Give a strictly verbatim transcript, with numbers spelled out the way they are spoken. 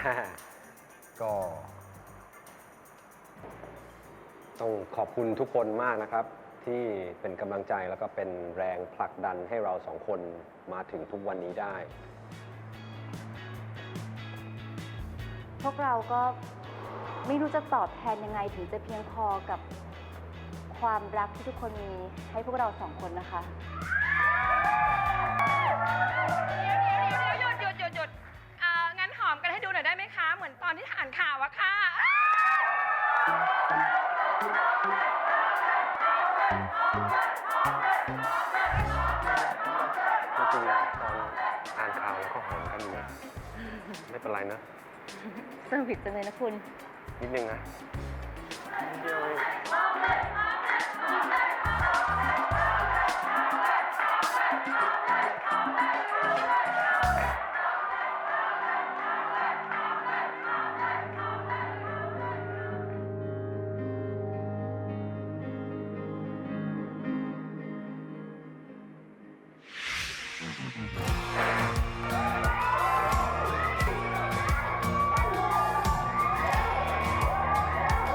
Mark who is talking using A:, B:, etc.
A: ก็ต้องขอบคุณทุกคนมากนะครับ ที่เป็นกำลังใจแล้วก็เป็นแรงผลักดันให้เราสองคนมาถึงทุกวันนี้ได้
B: พวกเราก็ไม่รู้จะตอบแทนยังไงถึงจะเพียงพอกับความรักที่ทุกคนมีให้พวกเราสองคนนะคะ
C: หยุดหยุดหยุดหยุดเอ่องั้นหอมกันให้ดูหน่อยได้ไหมคะ เหมือนตอนที่อ่านข่าวอะค่ะ
A: จริงๆตอนอ่านข่าวแล้วก็หอมกันอยู่ไม่เป็นไรนะ
B: สวิตจังเลยนะคุณ
A: นิดนึงนะนิดเดียวเอง